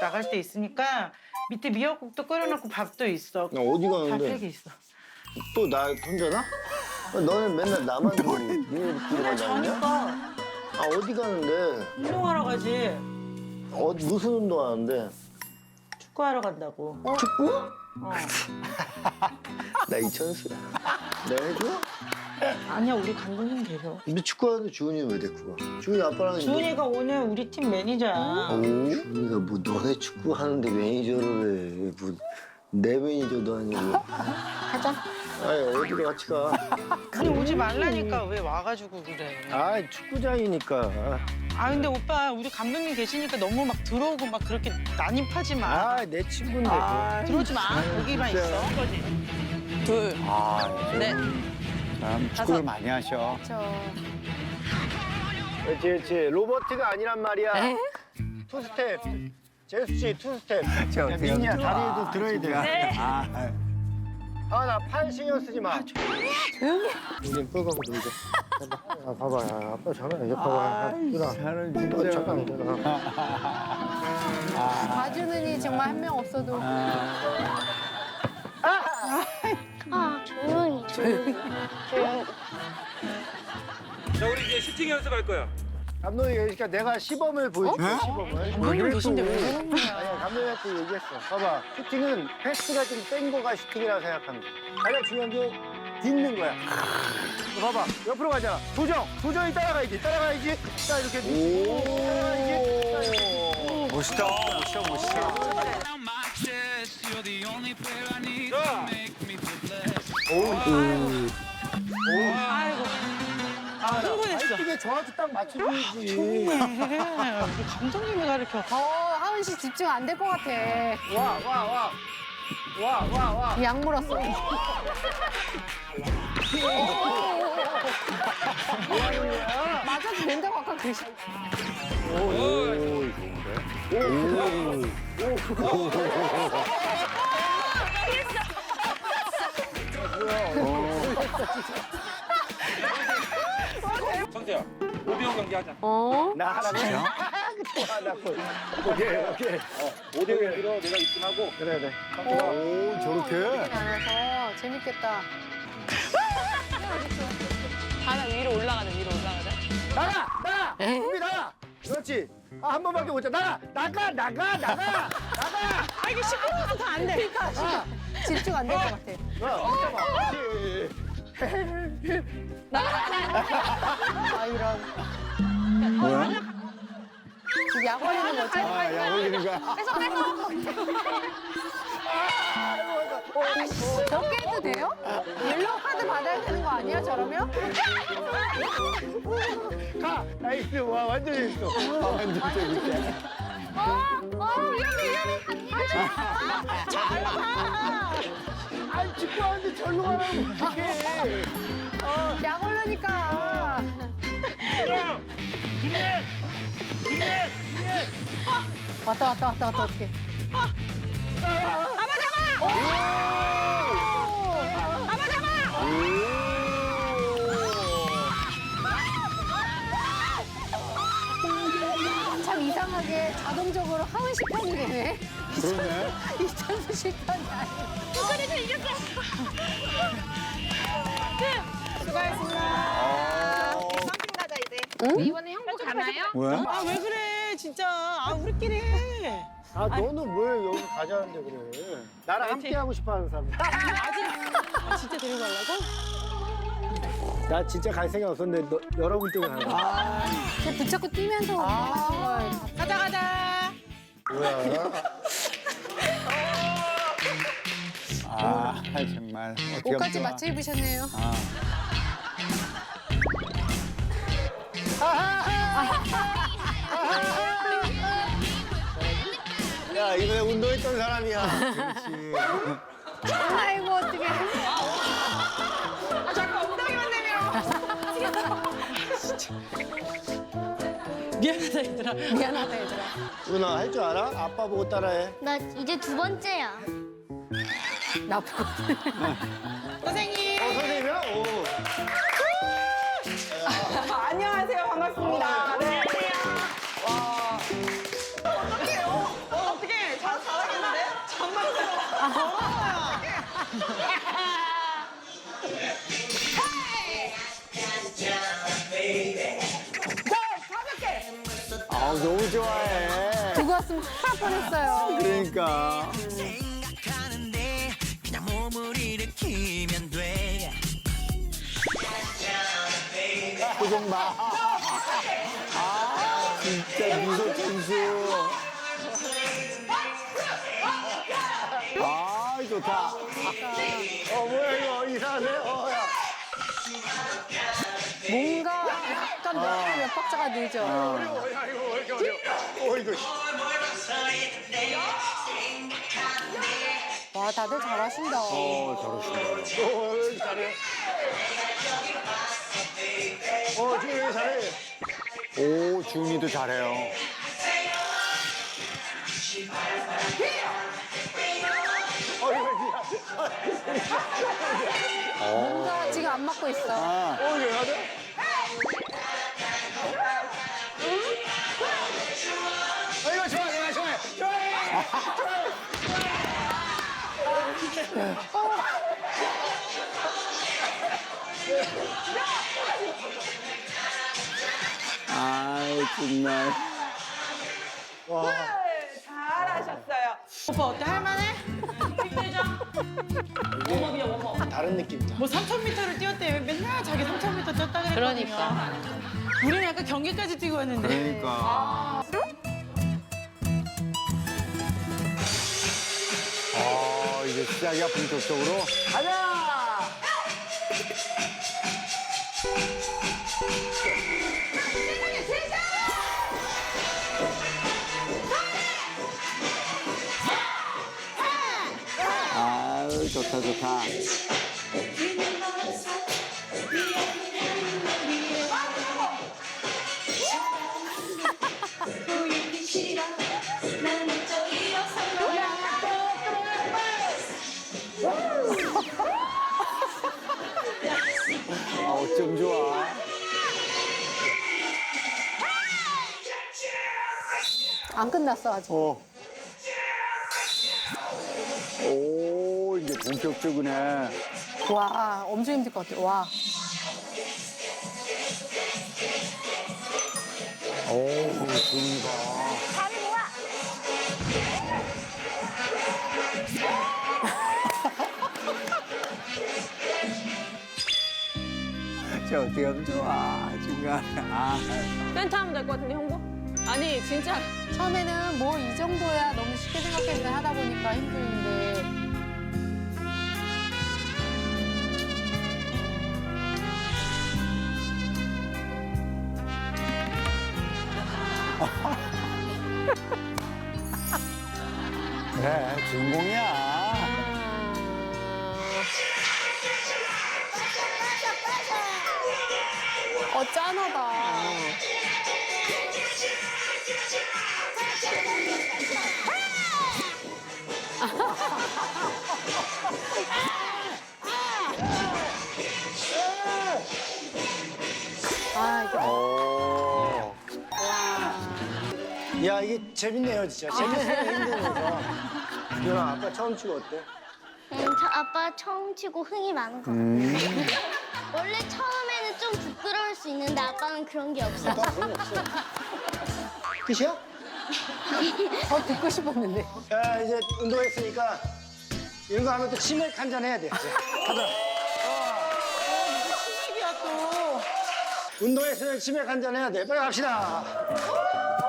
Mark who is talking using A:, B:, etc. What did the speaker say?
A: 나갈 때 있으니까 밑에 미역국도 끓여놓고 밥도 있어.
B: 나 어디
A: 다
B: 가는데?
A: 팩이 있어.
B: 또 나 혼자나? 너는 맨날 나만 보고 니네들끼리
A: 그냥
B: 만나냐?
A: 자니까
B: 아 어디 가는데?
A: 운동하러 가지.
B: 무슨 운동하는데?
A: 축구하러 간다고.
B: 축구?
A: 어.
B: 나 이천수야. 내가 해줘?
A: 아니야 우리 감독님 계셔.
B: 근데 축구하는데 주은이는 왜 데리고 가? 주은이 아빠랑
A: 주은이가 오늘 우리 팀 매니저야.
B: 주은이가 뭐 너네 축구하는데 매니저를 해. 뭐 내 매니저도 아니고.
A: 가자.
B: 아니 어디로 같이 가?
A: 아니 오지 말라니까 왜 와가지고 그래.
B: 아 축구장이니까.
A: 아 근데 오빠 우리 감독님 계시니까 너무 막 들어오고 막 그렇게 난입하지 마.
B: 아 내 친구인데.
A: 들어오지 마. 여기만
B: 진짜.
A: 있어. 거지.
C: 둘,
D: 아,
C: 넷,
D: 참 축구를 많이 하셔.
B: 그렇지 그렇지. 로버트가 아니란 말이야. 투 스텝. 제수 씨 투 스텝. 야, 민이야 다리에도 들어야 돼.
D: 아,
B: 아 나 팔 신경 쓰지 마.
C: 조용히.
B: 우린 뿔가고 놀자. 야, 봐봐, 야, 아빠 전화해. 야, 봐봐, 누나.
D: 사람
B: 잠깐 있잖아.
E: 봐주느니 정말 한 명 없어도
F: 조용히 조용히.
G: 자, 우리 이제 슈팅 연습할 거야.
B: 감독이 그러니까 내가 시범을 보여줄게, 시범을.
A: 감독님 계신데 왜 그러는 거야.
B: 아니야, 감독님한테 얘기했어. 봐봐, 슈팅은 패스가 좀 센 거가 슈팅이라고 생각하면 돼. 가장 중요한 게 딛는 거야. 봐봐, 옆으로 가잖아. 도정이 따라가야지. 자, 이렇게. 따라가야지.
D: 멋있다, 멋있어.
A: 아이고. 흥분했어.
B: 이게 정확히 딱 맞춰줘야지.
A: 조용해. 우리 감독님이 가르쳐.
E: 하은 씨 집중 안 될 것 같아.
B: 와.
E: 약 물었어. 맞아도 된다고 아까 그러셨.
G: 성태야, 5대5 경기 하자.
B: 나 하라고? 오케이.
G: 5대5 길어, 내가 입금하고.
B: 그래.
D: 오, 저렇게?
E: 안아서 재밌겠다.
C: 하나 위로 올라가자.
B: 나가! 준비 나가! 그렇지. 한 번밖에 못 자. 나가!
A: 아 이게 시끄러워서 다 안 돼.
E: 집중 안 될 것 같아. 아 이런.
D: 뭐야?
E: 지금 약 올리는 거지.
D: 아, 야, 올리는 거야.
E: 저렇게 해도 돼요? 옐로우 카드 받아야 되는 거 아니야 저러면?
B: 가! 나이스. 와, 완전 재밌어.
D: 완전 재밌게.
B: 아니, 축구하는데 절로 가라고 어떡해.
E: 약 올르니까. 왔다 어떡해. 참 이상하게 자동적으로 하은 씨 편이 되네.
D: 그러네.
E: 이천수 씨 편이 아니야.
F: 그래도 이겼어.
E: 수고하셨습니다.
F: 가자 이제. 이번에 형부 가나요?
D: 뭐야?
A: 아 왜 그래 진짜. 아 우리끼리 해.
B: 아, 너는 왜 여기 가자는데 그래. 나랑 함께 하고 싶어 하는 사람.
A: 아 진짜 데리고 가려고?
B: 나 진짜 갈 생각 없었는데 여러분 때문에 가는 거야.
E: 그냥 붙잡고 뛰면서 하신 걸.
A: 가자.
B: 뭐야.
D: 아, 정말. 어떻게 하면
E: 옷까지
D: 좋아.
E: 맞춰 입으셨네요.
B: 야, 이번에 운동했던 사람이야.
D: 그렇지.
E: 아이고 어떡해.
A: 자꾸 엉덩이만 내밀어. 미안하다 얘들아.
E: 미안하다 얘들아.
B: 누나 할 줄 알아? 아빠 보고 따라해.
F: 나 이제 두 번째야.
E: 나쁘고.
A: 선생님.
B: 선생님이야? 오.
A: 안녕하세요. 반갑습니다. 네. 와. 어떡해요? 어떡해.
D: 아우, 너무 좋아해.
E: 두고 왔으면 큰일 뻔했어요.
D: 그러니까.
H: 생각하는데 그냥 몸을 일으키면 돼.
D: 표정 봐. 아, 진짜 미소 천수. 아, 좋다.
B: 뭐야, 이거 이상하네. 야.
E: 뭔가 약간 몇 박자가 늦어.
B: 야, 이거 왜 이렇게 어려워. 이거.
E: 와, 다들 잘하신다.
B: 잘해. 지금 왜 잘해?
D: 오, 주은이도 잘해요.
E: 뭔가 지금 안 맞고 있어.
D: 아,
B: 이거 하자. 이거 좋아, 좋아해.
D: 아이, 정말.
A: 잘하셨어요. 오빠 어때? 할만해?
B: 다른 느낌이다.
A: 뭐 3,000m를 뛰었대. 맨날 자기 3,000m 뛰었다 그랬거든요.
C: 그러니까.
A: 우리는 약간 경기까지 뛰고 왔는데.
D: 그러니까. 아, 이제 시작이야, 본격적으로.
B: 가자!
D: 아유, 좋다, 좋다. 아, 어쩜 좋아.
E: 안 끝났어, 아직.
D: 오, 이제 본격적이네.
E: 와, 엄청 힘들 것 같아. 와.
D: 오, 주은이가. 저 어떻게 하면 좋아, 중간에. 아,
C: 센터 하면 될 것 같은데, 형부? 아니, 진짜.
E: 처음에는 뭐 이 정도야 너무 쉽게 생각했는데 하다 보니까 힘드는데.
D: 그래, 주인공이야.
E: 짠하다. 아, 이게
D: 오.
B: 야, 이게 재밌네요, 진짜. 재밌어요, 힘드면서. 유나, 아빠 처음 치고 어때?
F: 저 아빠 처음 치고 흥이 많은 것 같아요. 원래 처음에는 좀 부끄러울 수 있는데 아빠는 그런 게 없어요.
B: 그런 거 없어. 끝이야?
E: 듣고 싶었는데.
B: 자, 이제 운동했으니까 이런 거 하면 또 치맥 한 잔 해야 돼. 이제. 가자.
A: 치맥이야 또.
B: 운동했으면 치맥 한 잔 해야 돼. 빨리 갑시다.